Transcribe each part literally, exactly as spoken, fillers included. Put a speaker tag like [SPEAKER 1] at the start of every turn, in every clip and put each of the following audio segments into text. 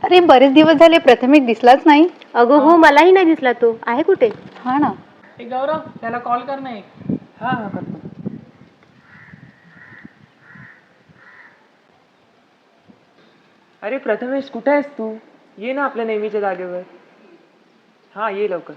[SPEAKER 1] अरे बरेच दिवस झाले प्रथमेश दिसलाच नाही.
[SPEAKER 2] अगं हो, मलाही नाही दिसला. तो आहे कुठे?
[SPEAKER 1] हा ना.
[SPEAKER 3] ए गौरव, त्याला कॉल कर नाही.
[SPEAKER 4] हा हा करतो. अरे प्रथमेश, कुठे आहेस तू? ये ना आपल्या नेहमीच्या जागेवर. हा ये लवकर.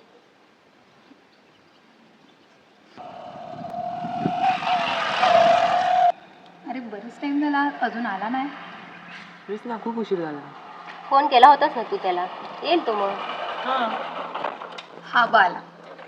[SPEAKER 1] अरे बरेच टाइम झाला अजून आला नाही.
[SPEAKER 4] तेच ना, खूप उशीर झाला.
[SPEAKER 2] फोन केला होतास ना तू त्याला? येईल तो मग.
[SPEAKER 1] हा बाला.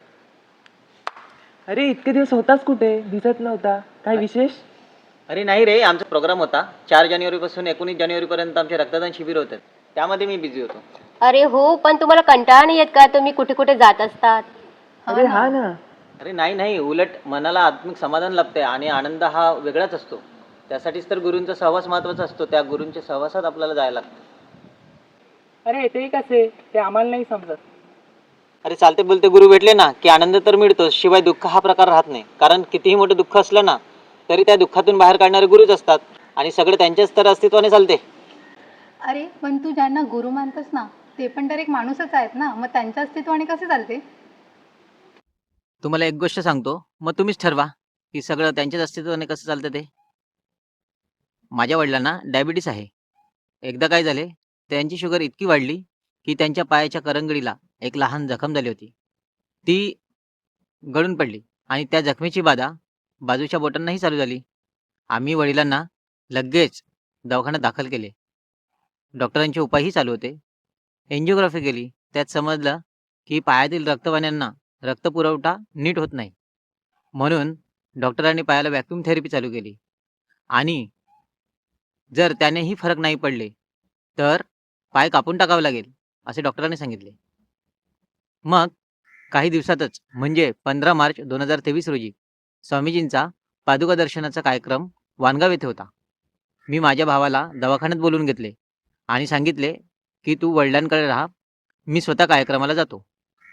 [SPEAKER 4] अरे इतके दिवस होतास कुठे? दिसत नव्हता. काय विशेष?
[SPEAKER 5] अरे नाही रे, आमचा प्रोग्राम होता. चार जानेवारीपासून एकोणीस जानेवारीपर्यंत आमचे रक्तदान शिबिर होते. त्यामध्ये मी बिझी होतो.
[SPEAKER 2] अरे हो, पण तुम्हाला कंटाळा नाही येत का? तुम्ही कुठे कुठे जात असतात.
[SPEAKER 4] अरे हा ना.
[SPEAKER 5] अरे नाही नाही, उलट मनाला आत्मिक समाधान लाभते आणि आनंद हा वेगळाच असतो. त्यासाठीच तर गुरूंचा सहवास महत्त्वाचा असतो. त्या गुरूंच्या सहवासात आपल्याला जायला लागतं.
[SPEAKER 4] अरे ते कसे? ते आम्हाला नाही समजत.
[SPEAKER 5] अरे चालते बोलते गुरु भेटले ना की आनंद तर मिळतो, शिवाय दुःख हा प्रकार राहत नाही. कारण कितीही मोठं दुःख असलं ना तरी त्या दुःखातून बाहेर काढणारे गुरुच असतात आणि सगळे त्यांच्याच तर अस्तित्वाने चालते.
[SPEAKER 1] अरे पण तू ज्यांना गुरु मानतोस ना ते पण तर एक माणूसच आहेत ना, मग त्यांच्या अस्तित्वाने कसे चालते?
[SPEAKER 5] तुम्हाला एक गोष्ट सांगतो, मग तुम्हीच ठरवा की सगळं त्यांच्याच अस्तित्वाने कसं चालतं ते. माझ्या वडिलांना डायबिटीस आहे. एकदा काय झाले, त्यांची शुगर इतकी वाढली की त्यांच्या पायाच्या करंगडीला एक लहान जखम झाली होती. ती गळून पडली आणि त्या जखमेची बाधा बाजूच्या बोटांनाही चालू झाली. आम्ही वडिलांना लगेच दवाखान्यात दाखल केले. डॉक्टरांचे उपायही चालू होते. एन्जिओग्राफी केली. त्यात समजलं की पायातील रक्तवाहिन्यांना रक्तपुरवठा नीट होत नाही. म्हणून डॉक्टरांनी पायाला व्हॅक्यूम थेरपी चालू केली आणि जर त्यानेही फरक नाही पडले तर पाय कापून टाकावे लागेल असे डॉक्टरांनी सांगितले. मग काही दिवसातच म्हणजे पंधरा मार्च दोन हजार तेवीस रोजी स्वामीजींचा पादुका दर्शनाचा कार्यक्रम वानगाव येथे होता. मी माझ्या भावाला दवाखान्यात बोलवून घेतले आणि सांगितले की तू वडिलांकडे राहा, मी स्वतः कार्यक्रमाला जातो.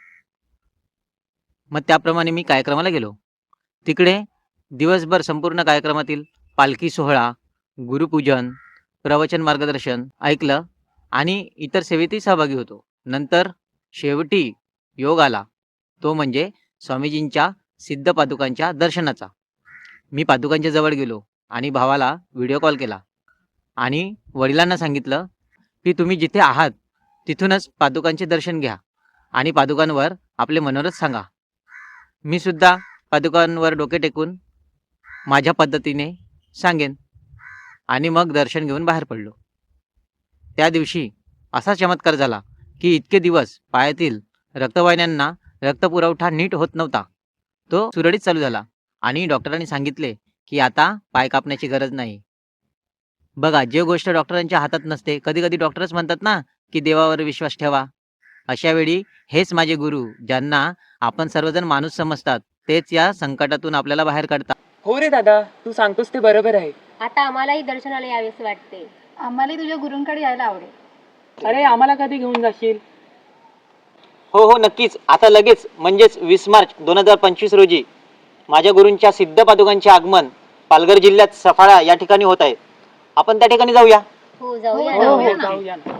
[SPEAKER 5] मग त्याप्रमाणे मी कार्यक्रमाला गेलो. तिकडे दिवसभर संपूर्ण कार्यक्रमातील पालखी सोहळा, गुरुपूजन, प्रवचन मार्गदर्शन ऐकलं आणि इतर सेवेतही सहभागी होतो. नंतर शेवटी योग आला, तो म्हणजे स्वामीजींच्या सिद्ध पादुकांच्या दर्शनाचा. मी पादुकांच्या जवळ गेलो आणि भावाला व्हिडिओ कॉल केला आणि वडिलांना सांगितलं की तुम्ही जिथे आहात तिथूनच पादुकांचे दर्शन घ्या आणि पादुकांवर आपले मनोरथ सांगा. मी सुद्धा पादुकांवर डोके टेकून माझ्या पद्धतीने सांगेन आणि मग दर्शन घेऊन बाहेर पडलो. त्या दिवशी असा चमत्कार झाला की इतके दिवस पायातील रक्तवाहिन्यांना रक्तपुरवठा नीट होत नव्हता, तो सुरळीत चालू झाला आणि डॉक्टरांनी सांगितले की आता पाय कापण्याची गरज नाही. बघा, जे गोष्ट डॉक्टरांच्या हातात नसते, कधी कधी डॉक्टरच म्हणतात ना की देवावर विश्वास ठेवा. अशा वेळी हेच माझे गुरु, ज्यांना आपण सर्वजण माणूस समजतात, तेच या संकटातून आपल्याला बाहेर काढतात.
[SPEAKER 4] हो रे दादा, तू सांगतोस ते बरोबर आहे.
[SPEAKER 2] आता आम्हालाही दर्शनाला यावेसे वाटते.
[SPEAKER 1] आम्हालाही तुझ्या गुरूंकडे यायला आवडेल.
[SPEAKER 4] अरे आम्हाला कधी घेऊन जाशील?
[SPEAKER 5] हो हो नक्कीच. आता लगेच म्हणजेच वीस मार्च दोन हजार पंचवीस रोजी माझ्या गुरूंच्या सिद्ध पादुकांचे आगमन पालघर जिल्ह्यात सफाळा या ठिकाणी होत आहे. आपण त्या ठिकाणी जाऊया.
[SPEAKER 2] हो जाऊया
[SPEAKER 1] हो,
[SPEAKER 2] ना.
[SPEAKER 1] जाऊया ना.
[SPEAKER 4] जाऊया ना.